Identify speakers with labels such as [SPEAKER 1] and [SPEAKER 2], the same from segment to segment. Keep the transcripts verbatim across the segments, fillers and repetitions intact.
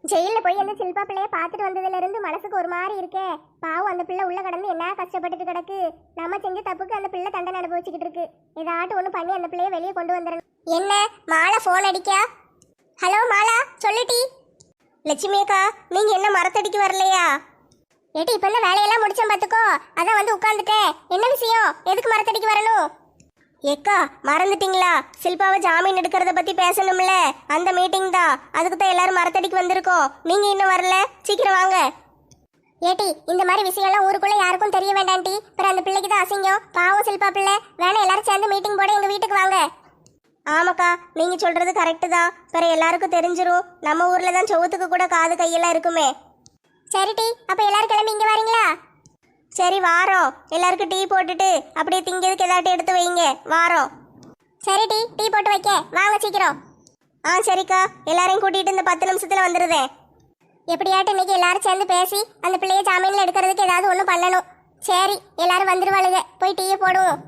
[SPEAKER 1] ஜெயிலில் போய் அந்த சில்பா பிள்ளைய பார்த்துட்டு வந்ததுல இருந்து மனசுக்கு ஒரு மாதிரி இருக்கே. பாவம் அந்த பிள்ளை உள்ள கடந்து என்ன கஷ்டப்பட்டுட்டு கிடக்கு. நம்ம செஞ்ச தப்புக்கு அந்த பிள்ளை தண்டனை அனுபவிச்சுக்கிட்டு இருக்கு. ஏதாட்டும் ஒன்று பண்ணி அந்த பிள்ளைய வெளியே கொண்டு வந்துடணும். என்ன மாலா ஃபோன் அடிக்கா? ஹலோ மாலா, சொல்லுட்டி. லட்சுமி அக்கா, நீங்க என்ன மரத்தடிக்கு வரலையா? ஏட்டி இப்ப என்ன வேலையெல்லாம் முடிச்சேன் பார்த்துக்கோ, அதான் வந்து உட்காந்துட்டேன். என்ன விஷயம்? எதுக்கு மரத்தடிக்கு வரணும்? ஏக்கா மறந்துட்டீங்களா? சில்பாவை ஜாமீன் எடுக்கிறத பத்தி பேசணும்ல, அந்த மீட்டிங் தான். அதுக்கு தான் எல்லாரும் மரத்தடிக்கு வந்திருக்கோம். நீங்க இன்னும் வரல, சீக்கிரம் வாங்க. ஏட்டி இந்த மாதிரி விஷயம்லாம் ஊருக்குள்ள யாருக்கும் தெரிய வேண்டாண்டி, அப்புறம் அந்த பிள்ளைக்கு தான் அசிங்கம். பாவம் சில்பா பிள்ளை. வேணா எல்லாரும் சேர்ந்து மீட்டிங் போட எங்க வீட்டுக்கு வாங்க. ஆமாக்கா, நீங்க சொல்றது கரெக்டு தான். பிற எல்லாருக்கும் தெரிஞ்சிரும். நம்ம ஊர்ல தான் சவுத்துக்கு கூட காது கையெல்லாம் இருக்குமே. சரிடி, அப்ப எல்லாரும் கிளம்பி இங்க வரீங்களா? சரி வாரோம். எல்லாருக்கும் டீ போட்டுட்டு அப்படியே திங்கிறதுக்கு ஏதாட்டும் எடுத்து வைங்க, வாரோம். சரி டீ டீ போட்டு வைக்க வாங்க சீக்கிரம். ஆ சரிக்கா, எல்லாரையும் கூட்டிட்டு இந்த பத்து நிமிஷத்துல வந்துடுதேன். எப்படியாட்டும் இன்னைக்கு எல்லாரும் சேர்ந்து பேசி அந்த பிள்ளைய ஜாமீன்ல எடுக்கிறதுக்கு ஏதாவது ஒன்றும் பண்ணணும். சரி எல்லாரும் வந்துருவாளுங்க, போய் டீயை போடுவோம்.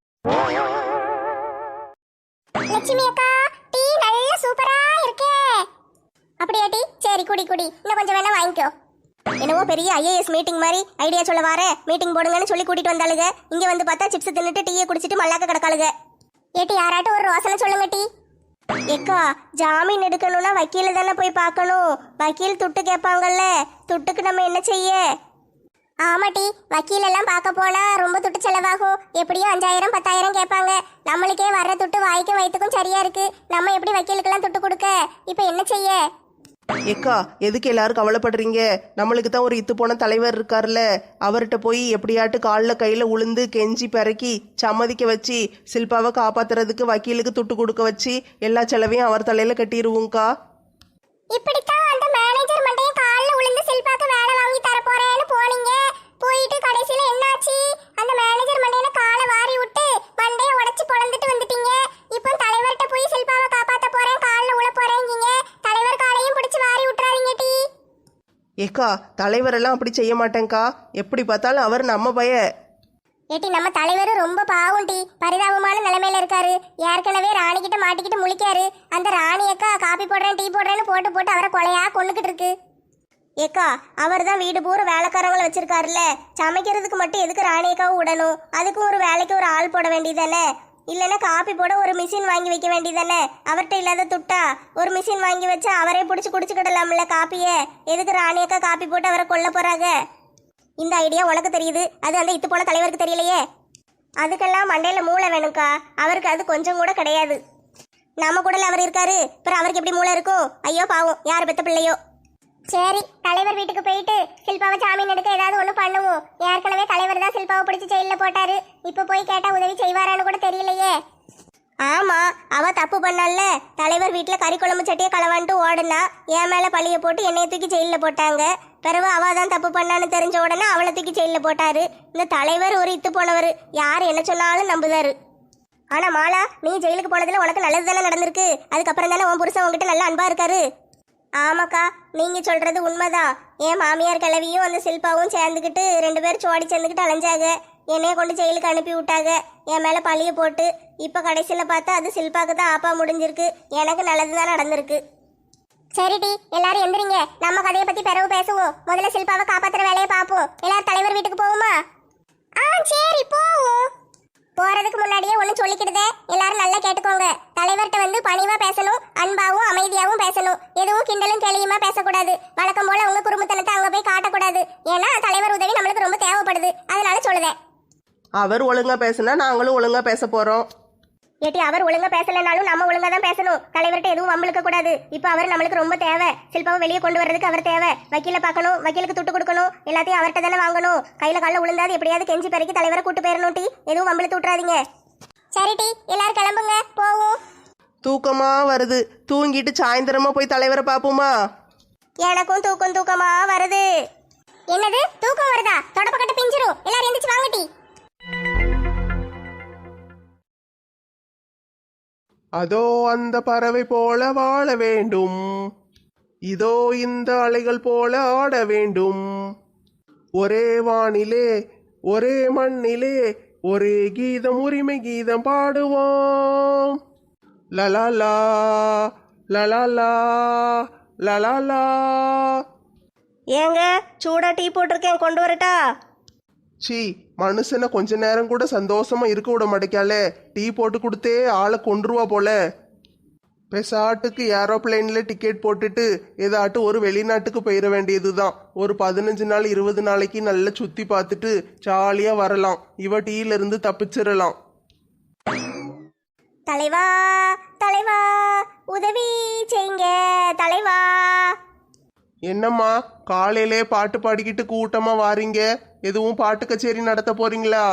[SPEAKER 1] லட்சுமி அக்கா, டீ நல்ல சூப்பரா இருக்கே. அப்படியா டீ? சரி குடி குடி, இன்னும் கொஞ்சம் வேணா வாங்கிக்கோ. என்னவோ பெரிய ஐஏஎஸ் மீட்டிங் மாதிரி ஐடியா சொல்ல வார மீட்டிங் போடுங்கன்னு சொல்லி கூட்டிட்டு வந்தாளுங்க. இங்க வந்து பார்த்தா சிப்ஸ் தின்னுட்டு டீயை குடிச்சிட்டு மல்லாக்க கிடக்காளுங்க. ஏட்டி யாராட்டும் ஒரு ரோசனை சொல்லுங்க டீ. ஏக்கா ஜாமீன் எடுக்கணும்னா வக்கீல தானே போய் பார்க்கணும். வக்கீல் துட்டு கேட்பாங்கல்ல, துட்டுக்கு நம்ம என்ன செய்ய? ஆமாட்டி, வக்கீல் எல்லாம் பார்க்க போனா ரொம்ப துட்டு செலவாகும். எப்படியும் அஞ்சாயிரம் பத்தாயிரம் கேட்பாங்க. நம்மளுக்கே வர்ற துட்டு வாய்க்கும் வயிற்றுக்கும் சரியா இருக்கு. நம்ம எப்படி வக்கீலுக்கெல்லாம் துட்டு கொடுக்க? இப்போ என்ன செய்ய?
[SPEAKER 2] ஏக்கா எதுக்கு எல்லாரும் கவலைப்படுறீங்க? நம்மளுக்கு தான் ஒரு இத்து போன தலைவர் இருக்கார்ல, அவர்கிட்ட போய் எப்படியாட்டு காலில் கையில் உளுந்து கெஞ்சி பிறக்கி சம்மதிக்க வச்சு சில்பாவை காப்பாத்துறதுக்கு வக்கீலுக்கு துட்டு கொடுக்க வச்சு எல்லா செலவையும் அவர் தலையில கட்டிடுவோங்கக்கா.
[SPEAKER 1] இப்படித்தான் அந்த மேனேஜர் மண்டையும் காலில் உளுந்து சில்பாக்கு வேலை வாங்கி தர போறேன்னு போனீங்க. போயிட்டு கடைசியில என்னாச்சு? அந்த மேனேஜர் மண்டையில காலை வாரி விட்டு மண்டையை உடைச்சு பொழந்துட்டு வந்துட்டீங்க. இப்போ தலைவர்கிட்ட போய் சில்பாவை காப்பாத்த போறேன் காலில் உள்ள போறேங்கீங்க. தலைவர் காலையும் பிடிச்சு வாரி விட்டுறாதீங்க டி.
[SPEAKER 2] ஏக்கா தலைவரெல்லாம் அப்படி செய்ய மாட்டேங்க்கா. எப்படி பார்த்தாலும் அவர் நம்ம பய.
[SPEAKER 1] ஏட்டி நம்ம தலைவர் ரொம்ப பாவம் டி, பரிதாபமான நிலைமையில இருக்காரு. ஏற்கனவே ராணி கிட்ட மாட்டிக்கிட்டு முழிக்காரு. அந்த ராணி அக்கா காப்பி போடுறேன் டீ போடுறேன்னு போட்டு போட்டு அவரை கொலையா கொண்டுகிட்டு இருக்கு. ஏக்கா அவர் தான் வீடு பூரா வேலைக்காரங்களை வச்சிருக்காருல்ல, சமைக்கிறதுக்கு மட்டும் எதுக்கு ராணியக்காவும் விடணும்? அதுக்கும் ஒரு வேலைக்கு ஒரு ஆள் போட வேண்டியதானே? இல்லைன்னா காப்பி போட ஒரு மிஷின் வாங்கி வைக்க வேண்டியதானே? அவர்கிட்ட இல்லாத துட்டா ஒரு மிஷின் வாங்கி வச்சா அவரே பிடிச்சி குடிச்சுக்கிடலாம்ல காப்பியை. எதுக்கு ராணியக்கா காப்பி போட்டு அவரை கொல்ல போறாங்க? இந்த ஐடியா உனக்கு தெரியுது, அது அந்த இத்து போன தலைவருக்கு தெரியலையே. அதுக்கெல்லாம் மண்டையில மூளை வேணும்க்கா. அவருக்கு அது கொஞ்சம் கூட கிடையாது. நம்ம கூடல அவர் இருக்காரு, அப்புறம் அவருக்கு எப்படி மூளை இருக்கும்? ஐயோ பாவம், யார் பெத்த பிள்ளையோ. சரி தலைவர் வீட்டுக்கு போயிட்டு சில்பாவை ஜாமீன் எடுக்க ஏதாவது ஒன்று பண்ணுவோம். ஏற்கனவே தலைவர் தான் சில்பாவை பிடிச்சி ஜெயிலில் போட்டாரு. இப்போ போய் கேட்டா உதவி செய்வாரான்னு கூட தெரியலையே. ஆமா, அவ தப்பு பண்ணல. தலைவர் வீட்டுல கறி குழம்பு சட்டியை களவான்ட்டு ஓடுனா என் மேல பழிய போட்டு என்னைய தூக்கி ஜெயில போட்டாங்க. பிறகு அவ தான் தப்பு பண்ணான்னு தெரிஞ்ச உடனே அவளை தூக்கி ஜெயில போட்டாரு. இந்த தலைவர் ஒரு இத்து போனவர், யார் என்ன சொன்னாலும் நம்புதாரு. ஆனா மாலா, நீ ஜெயிலுக்கு போனதுல உனக்கு நல்லது தானே நடந்திருக்கு. அதுக்கப்புறம் தானே உன் புருஷன் உங்ககிட்ட நல்ல அன்பா இருக்காரு. ஆமாக்கா, நீங்க சொல்றது உண்மைதான். என் மாமியார் கிழவியும் அந்த சில்பாவும் சேர்ந்துக்கிட்டு ரெண்டு பேரும் சோடி சேர்ந்துக்கிட்டு அலைஞ்சாங்க. என்னைய கொண்டு ஜெயிலுக்கு அனுப்பி விட்டாங்க, என் மேலே பழிய போட்டு. இப்போ கடைசியில் பார்த்தா அது சில்பாக்கு தான் ஆப்பா முடிஞ்சிருக்கு. எனக்கு நல்லது தான் நடந்திருக்கு. சரிடி, எல்லாரும் எந்திரிங்க. நம்ம கதையை பற்றி பிறகு பேசுவோம். முதல்ல சில்பாவை காப்பாற்றுற வேலையை பார்ப்போம். எல்லாரும் தலைவர் வீட்டுக்கு போவோமா? ஆ சரி போவோம். போறதுக்கு முன்னாடியே ஒன்று சொல்லிக்கிடுதே, எல்லாரும் நல்லா கேட்டுக்கோங்க. தலைவர்கிட்ட வந்து பணிவா பேசணும், அன்பாவும் அமைதியாகவும் பேசணும். எதுவும் கிண்டலும் கேலியுமா பேசக்கூடாது. வழக்கம் போல உங்க குடும்பத்தனத்தை அங்கே போய் காட்டக்கூடாது. ஏன்னா தலைவர் உதவி நம்மளுக்கு ரொம்ப தேவைப்படுது, அதனால சொல்லுதேன்.
[SPEAKER 2] அவர் ஒழுங்கா பேசுனா நாங்களும் ஒழுங்கா பேச போறோம்.
[SPEAKER 1] ஏட்டி அவர் ஒழுங்கா பேசலைனாலும் நம்ம ஒழுங்கா தான் பேசணும். தலைவர்கிட்ட எதுவும் வம்பளுக்க கூடாது. இப்போ அவர் நம்மளுக்கு ரொம்ப தேவை. சில்பாவை வெளியே கொண்டு வர்றதுக்கு அவர் தேவை. வக்கீல பார்க்கணும், வக்கீலுக்கு துட்டு கொடுக்கணும், எல்லாத்தையும் அவர்கிட்ட தானே வாங்கணும். கையில காலில் விழுந்தாது எப்படியாவது கெஞ்சி பெருக்கி தலைவரை கூட்டு போயிடணும் டி. எதுவும் வம்பளுத்து விட்டுறாதீங்க. சரி டி, எல்லாரும் கிளம்புங்க, போவோம்.
[SPEAKER 2] தூக்கமா வருது, தூங்கிட்டு சாயந்தரமா போய் தலைவரை பார்ப்போமா?
[SPEAKER 1] எனக்கும் தூக்கம் தூக்கமா வருது. என்னது தூக்கம் வருதா? தொடப்பக்கட்ட பிஞ்சிரும். எல்லாரும் எந்திரிச்சு வாங்க டி.
[SPEAKER 3] அதோ அந்த பறவை போல வாழ வேண்டும், இதோ இந்த அலைகள் போல ஆட வேண்டும். ஒரே வானிலே ஒரே மண்ணிலே ஒரே கீதம் உரிமை கீதம் பாடுவோம். லலாலா லலாலா லலாலா.
[SPEAKER 4] ஏங்க சூடா டீ போட்டிருக்கேன், கொண்டு வரட்டா?
[SPEAKER 3] சி, மனுஷனை கொஞ்ச நேரம் கூட சந்தோஷமா இருக்க விட மாட்டேக்காலே. டீ போட்டு கொடுத்தே ஆளை கொன்றுவா போல. பெசாட்டுக்கு ஏரோப்ளைன்ல டிக்கெட் போட்டுட்டு ஏதாட்டு ஒரு வெளிநாட்டுக்கு போயிட வேண்டியது தான். ஒரு பதினஞ்சு நாள் இருபது நாளைக்கு நல்லா சுத்தி பார்த்துட்டு ஜாலியா வரலாம். இவ டீல இருந்து தப்பிச்சிடலாம்.
[SPEAKER 1] தலைவா தலைவா உதவி செய்யுங்க தலைவா.
[SPEAKER 3] என்னம்மா காலையிலே பாட்டு பாடிக்கிட்டு கூட்டமா வாரீங்க? எதுவும் பாட்டு கச்சேரி நடத்த போறீங்களா?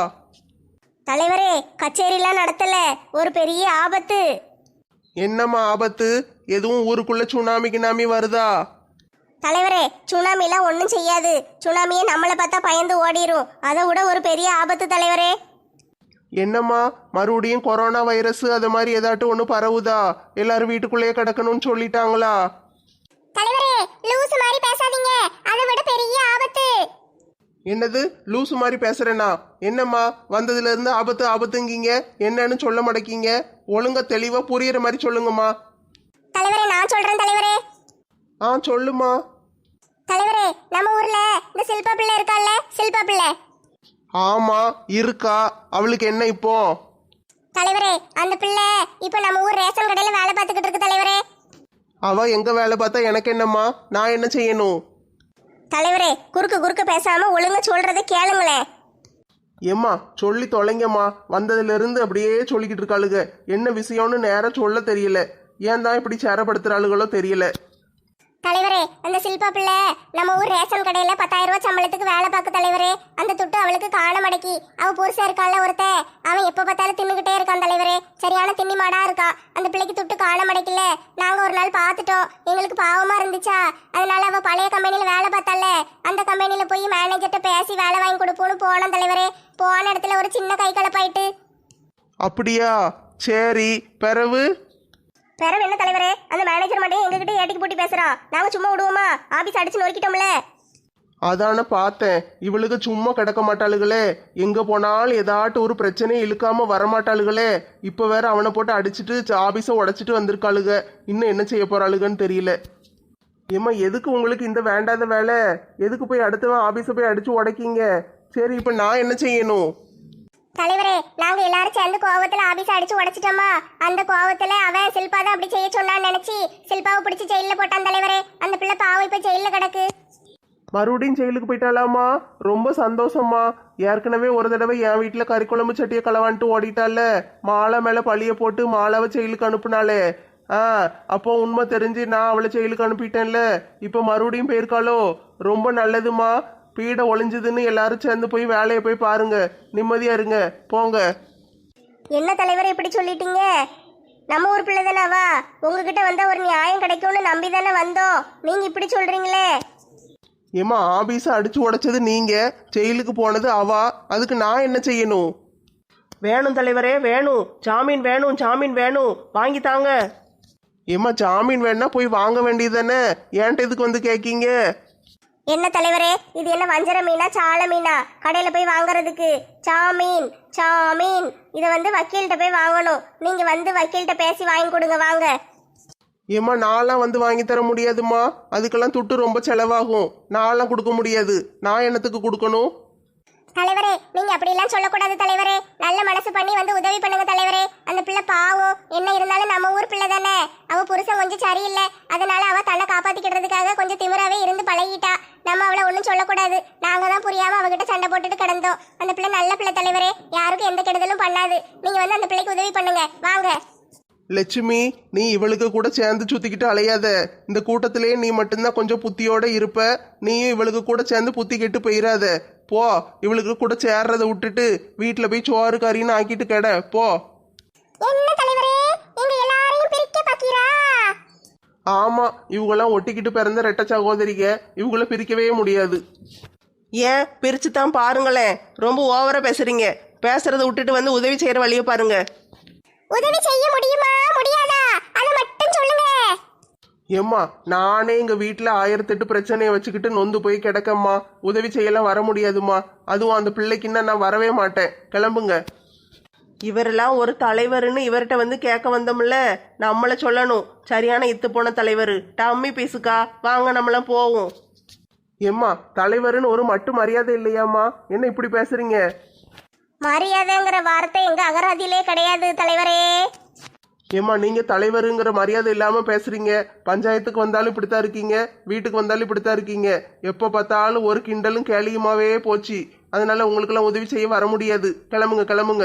[SPEAKER 1] தலைவரே, கச்சேரிலாம் நடத்தல, ஒரு பெரிய ஆபத்து.
[SPEAKER 3] என்னம்மா ஆபத்து? எதுவும் ஊருக்குள்ள சுனாமி கினாமி வருதா?
[SPEAKER 1] தலைவரே, சுனாமிலாம் ஒன்றும் செய்யாது. சுனாமியை நம்மளை பார்த்தா பயந்து ஓடிரும். அதை விட ஒரு பெரிய ஆபத்து தலைவரே.
[SPEAKER 3] என்னம்மா மறுபடியும் கொரோனா வைரஸ் அது மாதிரி ஏதாட்டும் ஒன்று பரவுதா? எல்லாரும் வீட்டுக்குள்ளேயே கிடக்கணும்னு சொல்லிட்டாங்களா?
[SPEAKER 1] தலைவரே, லூசு மாதிரி பேசாதீங்க, அதை விட பெரிய ஆபத்து.
[SPEAKER 3] என்னது லூசு மாதிரி பேசுறேனா? என்னம்மா வந்ததுல இருந்து ஆபத்து ஆபத்துங்கீங்க, என்னன்னு சொல்ல மாட்டேக்கீங்க. ஒழுங்கா தெளிவா புரியுற மாதிரி சொல்லுங்கம்மா.
[SPEAKER 1] தலைவரே, நான் சொல்றேன் தலைவரே.
[SPEAKER 3] ஆ சொல்லுமா.
[SPEAKER 1] தலைவரே, நம்ம ஊர்ல இந்த சில்பா பிள்ளை இருக்கால்ல, சில்பா பிள்ளை.
[SPEAKER 3] ஆமா இருக்கா. அவளுக்கு என்ன இப்போ?
[SPEAKER 1] தலைவரே, அந்த பிள்ளை இப்ப நம்ம ஊர் ரேஷன் கடையில வேலை பார்த்துக்கிட்டு இருக்கு தலைவரே.
[SPEAKER 3] அவ எங்க வேலை பார்த்தா எனக்கு என்னம்மா? நான் என்ன செய்யணும்?
[SPEAKER 1] தலைவரே, குறுக்கு குறுக்க பேசாம ஒழுங்கா சொல்றதை கேளுங்களேன்.
[SPEAKER 3] ஏம்மா சொல்லி தொலைங்கம்மா. வந்ததுல இருந்து அப்படியே சொல்லிக்கிட்டு இருக்காளுங்க. என்ன விஷயம்னு நேரம் சொல்ல தெரியல. ஏன் தான் இப்படி சேரப்படுத்துறாளுகளோ தெரியல.
[SPEAKER 1] தலைவரே, அந்த சில்பா பிள்ளை நம்ம ஊர் ரேஷன் கடையில பத்தாயிரம் ரூபாய் சம்பளத்துக்கு வேலை பார்க்க தலைவரே. அந்த துட்டு அவளுக்கு காண மடக்கி. அவ புருஷன் இருக்கான்ல ஒருத்த, அவன் எப்ப பார்த்தாலும் தின்னுகிட்டே இருக்கான் தலைவரே. சரியான தின்னி மாடா இருக்கா. அந்த பிள்ளைக்கு துட்டு காண மடக்கல. நாங்க ஒரு நாள் பார்த்துட்டோம், எங்களுக்கு பாவமா இருந்துச்சா. அதனால அவ பழைய கம்பெனில வேலை பார்த்தால, அந்த கம்பெனில போய் மேனேஜர்கிட்ட பேசி வேலை வாங்கி கொடுப்போம்னு போனோம் தலைவரே. போன இடத்துல ஒரு சின்ன கை கலப்பாயிட்டு.
[SPEAKER 3] அப்படியா? சரி, பிறவு
[SPEAKER 1] பிறகு என்ன தலைவரே, அந்த மேனேஜர் மட்டும் எங்ககிட்ட ஏட்டிக்கு போட்டி பேசுறான். நாங்க சும்மா விடுவோமா? ஆபீஸ் அடிச்சு நொறுக்கிட்டோம்ல.
[SPEAKER 3] அதான பார்த்தேன். இவளுக்கு சும்மா கிடக்க மாட்டாளுகளே. எங்க போனாலும் ஏதாட்டும் ஒரு பிரச்சனையை இழுக்காம வரமாட்டாளுகளே. இப்ப வேற அவனை போட்டு அடிச்சுட்டு ஆபீஸை உடைச்சிட்டு வந்திருக்காளுக. இன்னும் என்ன செய்ய போறாளுகன்னு தெரியல. ஏம்மா எதுக்கு உங்களுக்கு இந்த வேண்டாத வேலை? எதுக்கு போய் அடுத்தவன் ஆபீஸை போய் அடிச்சு உடைக்கீங்க? சரி, இப்ப நான் என்ன செய்யணும்?
[SPEAKER 1] தலைவரே, நாங்க எல்லாரும் சேர்ந்து கோவத்துல ஆபீஸ் அடிச்சு உடைச்சிட்டோமா. அந்த கோவத்துல அவன் சில்பா தான் அப்படி செய்ய சொன்னான்னு நினைச்சு சில்பாவை பிடிச்சி ஜெயில போட்டான் தலைவரே. அந்த பிள்ளை பாவம் இப்ப ஜெயில கிடக்கு.
[SPEAKER 3] மறுபடியும் ஜெயிலுக்கு போயிட்டாலாமா? ரொம்ப சந்தோஷமா. ஏற்கனவே ஒரு தடவை என் வீட்டுல கறிக்குழம்பு சட்டியை களவான்ட்டு ஓடிட்டால. மாலை மேல பழிய போட்டு மாலாவை ஜெயிலுக்கு அனுப்புனாலே. ஆ அப்போ உண்மை தெரிஞ்சு நான் அவளை ஜெயிலுக்கு அனுப்பிட்டேன்ல. இப்ப மறுபடியும் போயிருக்காளோ? ரொம்ப நல்லதுமா. பீடை ஒளிஞ்சதுன்னு எல்லாரும் சேர்ந்து போய் வேலையை போய் பாருங்க. நிம்மதியா இருங்க, போங்க.
[SPEAKER 1] என்ன தலைவரே இப்படி சொல்லிட்டீங்க? நம்ம ஊர் பிள்ளை தானே அவ. உங்ககிட்ட வந்தா ஒரு நியாயம் கிடைக்கும்னு நம்பி தானே வந்தோம். நீங்க இப்படி சொல்றீங்களே.
[SPEAKER 3] ஏமா ஆபீஸை அடிச்சு உடைச்சது நீங்க, ஜெயிலுக்கு போனது அவா. அதுக்கு நான் என்ன செய்யணும்?
[SPEAKER 2] வேணும் தலைவரே, வேணும். ஜாமீன் வேணும், ஜாமீன் வேணும். வாங்கி தாங்க.
[SPEAKER 3] ஏமா ஜாமீன் வேணா போய் வாங்க வேண்டியது தானே. ஏன்ட்ட இதுக்கு வந்து கேட்கீங்க?
[SPEAKER 1] என்ன தலைவரே, இது என்ன வஞ்சர மீனா சால மீனா கடையில போய் வாங்குறதுக்கு? ஜாமீன் ஜாமீன் இதை வந்து வக்கீல்கிட்ட போய் வாங்கணும். நீங்க வந்து வக்கீல்கிட்ட பேசி வாங்கி கொடுங்க, வாங்க.
[SPEAKER 3] ஏம்மா நான்லாம் வந்து வாங்கி தர முடியாதுமா. அதுக்கெல்லாம் துட்டு ரொம்ப செலவாகும். நான்லாம் கொடுக்க முடியாது. நான் என்னத்துக்கு கொடுக்கணும்?
[SPEAKER 1] தலைவரே, நீங்க அப்படி எல்லாம் சொல்லக்கூடாது தலைவரே. நல்ல மனசு பண்ணி வந்து உதவி பண்ணுங்க தலைவரே. அந்த பிள்ளை பாவம். என்ன இருந்தாலும் நம்ம ஊர் பிள்ளை தானே. அவ புருஷன் கொஞ்சம் சரியில்லை. அதனால அவ தன்னை காப்பாத்திக்கிறதுக்காக கொஞ்சம் திமிராவே இருந்து பழகிட்டா. நம்ம அவளை ஒன்றும் சொல்லக்கூடாது. நாங்க தான் புரியாம அவகிட்ட சண்டை போட்டுட்டு கிடந்தோம். அந்த பிள்ளை நல்ல பிள்ளை தலைவரே. யாருக்கும் எந்த கெடுதலும் பண்ணாது. நீங்க வந்து அந்த பிள்ளைக்கு உதவி பண்ணுங்க, வாங்க.
[SPEAKER 3] லட்சுமி, நீ இவளுக்கு கூட சேர்ந்து சுத்திக்கிட்டு அலையாத. இந்த கூட்டத்திலேயே நீ மட்டும்தான் கொஞ்சம் புத்தியோட இருப்ப. நீயும் இவளுக்கு கூட சேர்ந்து புத்தி கெட்டு போயிடாத. போ, இவளுக்கு கூட சேர்றதை விட்டுட்டு வீட்டுல போய் சோறு கறின்னு ஆக்கிட்டு கெட போ.
[SPEAKER 1] என்ன தலைவரே, எங்க எல்லாரையும் பிரிக்க பாக்கீரா?
[SPEAKER 3] ஆமா, இவங்கெல்லாம் ஒட்டிக்கிட்டு பிறந்த ரெட்ட சகோதரிக. இவங்கள பிரிக்கவே முடியாது.
[SPEAKER 2] ஏன் பிரிச்சு தான் பாருங்களேன். ரொம்ப ஓவரா பேசுறீங்க. பேசுறதை விட்டுட்டு வந்து உதவி செய்யற வழியை பாருங்க.
[SPEAKER 1] உதவி செய்ய முடியுமா முடியாதா அதை மட்டும் சொல்லுங்க.
[SPEAKER 3] ஏம்மா நானே எங்க வீட்டுல ஆயிரத்தெட்டு பிரச்சனையை வச்சுக்கிட்டு நொந்து போய் கிடக்கம்மா. உதவி செய்யலாம் வர முடியாதுமா. அதுவும் அந்த பிள்ளைக்குன்னா நான் வரவே மாட்டேன். கிளம்புங்க.
[SPEAKER 2] இவரெல்லாம் ஒரு தலைவர்னு இவர்கிட்ட வந்து கேட்க வந்தோம்ல, நம்மள சொல்லணும் சரியான இத்து போன தலைவர். டம்மி பீஸுக்கா, வாங்க நம்மளாம் போவோம்.
[SPEAKER 3] ஏம்மா தலைவர்னு ஒரு மட்டு மரியாதை இல்லையாம்மா? என்ன இப்படி பேசுறீங்க?
[SPEAKER 1] மரியாதைங்கிற வார்த்தை எங்க அகராதியிலே கிடையாது தலைவரே.
[SPEAKER 3] ஏம்மா நீங்க தலைவருங்கிற மரியாதை இல்லாம பேசுறீங்க. பஞ்சாயத்துக்கு வந்தாலும் இப்படித்தான் இருக்கீங்க, வீட்டுக்கு வந்தாலும் இப்படித்தான் இருக்கீங்க. எப்ப பார்த்தாலும் ஒரு கிண்டலும் கேலியுமாவே போச்சு. அதனால உங்களுக்கெல்லாம் உதவி செய்ய வர முடியாது. கிளம்புங்க கிளம்புங்க.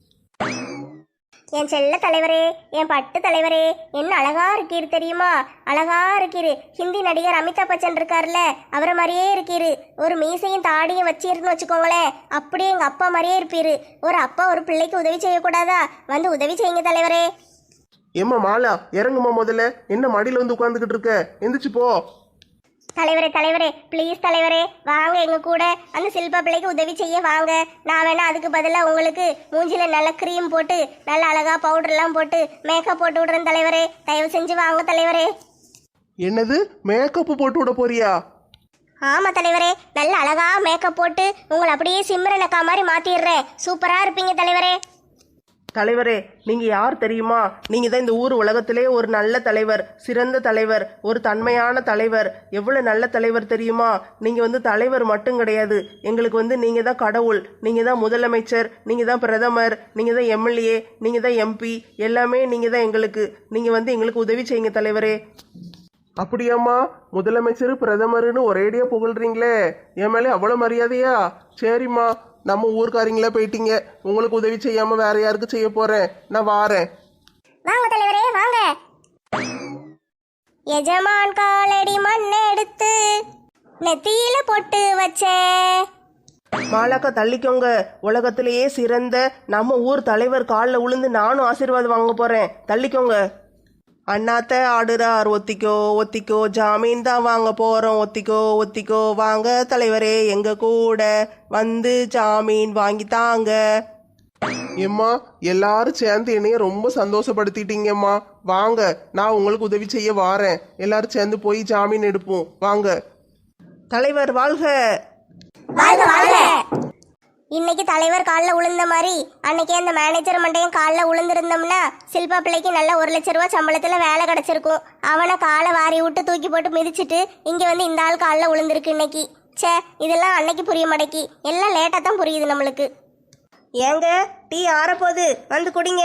[SPEAKER 1] என் செல்ல தலைவரே, என் பட்டு தலைவரே, என்ன அழகா இருக்கீரு தெரியுமா? அழகா இருக்கீரு. ஹிந்தி நடிகர் அமிதாப் பச்சன் இருக்காருல்ல, அவரை மாதிரியே இருக்கீரு. ஒரு மீசையும் தாடியும் வச்சிருன்னு வச்சுக்கோங்களேன், அப்படியே எங்க அப்பா மாதிரியே இருப்பீரு. ஒரு அப்பா ஒரு பிள்ளைக்கு உதவி செய்யக்கூடாதா? வந்து உதவி செய்யுங்க தலைவரே.
[SPEAKER 3] ஏம்மா மாலா, இறங்குமா முதல்ல. என்ன மடியில வந்து உட்காந்துக்கிட்டு இருக்க? எந்திரிச்சு போ.
[SPEAKER 1] தலைவரே தலைவரே ப்ளீஸ் தலைவரே, வாங்க எங்க கூட அந்த சில்பா பிள்ளைக்கு உதவி செய்ய வாங்க. நான் வேணா அதுக்கு பதிலாக உங்களுக்கு மூஞ்சில நல்ல க்ரீம் போட்டு நல்ல அழகா பவுடர்லாம் போட்டு மேக்கப் போட்டு விடுறேன் தலைவரே. தயவு செஞ்சு வாங்க தலைவரே.
[SPEAKER 3] என்னது, மேக்கப் போட்டு விட போறியா?
[SPEAKER 1] ஆமா தலைவரே, நல்ல அழகா மேக்கப் போட்டு உங்களை அப்படியே சிம்ரனக்கா மாதிரி மாத்திடுறேன். சூப்பரா இருப்பீங்க தலைவரே.
[SPEAKER 2] தலைவரே, நீங்க யார் தெரியுமா? நீங்க தான் இந்த ஊர் உலகத்திலே ஒரு நல்ல தலைவர், சிறந்த தலைவர், ஒரு தன்மையான தலைவர். எவ்வளவு நல்ல தலைவர் தெரியுமா? நீங்க வந்து தலைவர் மட்டும் கிடையாது, எங்களுக்கு வந்து நீங்க தான் கடவுள். நீங்க தான் முதலமைச்சர், நீங்க தான் பிரதமர், நீங்க தான் எம்எல்ஏ, நீங்க தான் எம்பி, எல்லாமே நீங்க தான் எங்களுக்கு. நீங்க வந்து எங்களுக்கு உதவி செய்யுங்க தலைவரே.
[SPEAKER 3] அப்படியாம்மா? முதலமைச்சர் பிரதமர்னு ஒரேடியா புகழ்றீங்களே, என் மேலே அவ்வளோ மரியாதையா? சரிம்மா, நம்ம ஊர்க்காரங்களா போயிட்டீங்க. உங்களுக்கு உதவி செய்யாம வேற யாருக்கு செய்ய போறேன்? நான் வாரேன்.
[SPEAKER 1] வாங்க தலைவரே வாங்க. எஜமான் காலடி மண் எடுத்து நெத்தியில போட்டு வச்சேன்.
[SPEAKER 2] மாலாக்கா தள்ளிக்கோங்க. உலகத்திலேயே சிறந்த நம்ம ஊர் தலைவர் காலில் விழுந்து நானும் ஆசீர்வாதம் வாங்க போறேன். தள்ளிக்கோங்க. அண்ணாத்த ஆடுறார், ஒத்திக்கோ ஒத்திக்கோ, ஜாமீன் தான் வாங்க போறோம், ஒத்திக்கோ ஒத்திக்கோ, வாங்க தலைவரே எங்க கூட வந்து ஜாமீன் வாங்கித்தாங்க.
[SPEAKER 3] ஏம்மா எல்லாரும் சேர்ந்து என்னைய ரொம்ப சந்தோஷப்படுத்திட்டீங்கம்மா. வாங்க, நான் உங்களுக்கு உதவி செய்ய வாரேன். எல்லாரும் சேர்ந்து போய் ஜாமீன் எடுப்போம். வாங்க.
[SPEAKER 2] தலைவர் வாழ்க.
[SPEAKER 1] வாழ்க வாழ்க. இன்னைக்கு தலைவர் காலில் விழுந்த மாதிரி அன்னைக்கே அந்த மேனேஜர் மண்டையும் காலில் விழுந்திருந்தோம்னா சில்பா பிள்ளைக்கு நல்ல ஒரு லட்ச ரூபா சம்பளத்தில் வேலை கிடச்சிருக்கும். அவனை காலை வாரி விட்டு தூக்கி போட்டு மிதிச்சிட்டு இங்கே வந்து இந்த ஆள் காலில் விழுந்திருக்கு இன்னைக்கு. சே, இதெல்லாம் அன்னைக்கு புரிய மாட்டேக்கி, எல்லாம் லேட்டாக தான் புரியுது நம்மளுக்கு.
[SPEAKER 4] ஏங்க டீ ஆறப்போகுது, வந்து குடிங்க.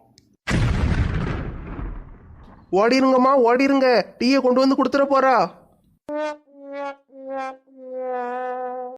[SPEAKER 3] ஓடிருங்கம்மா ஓடிருங்க, டீயை கொண்டு வந்து கொடுத்துட போறா.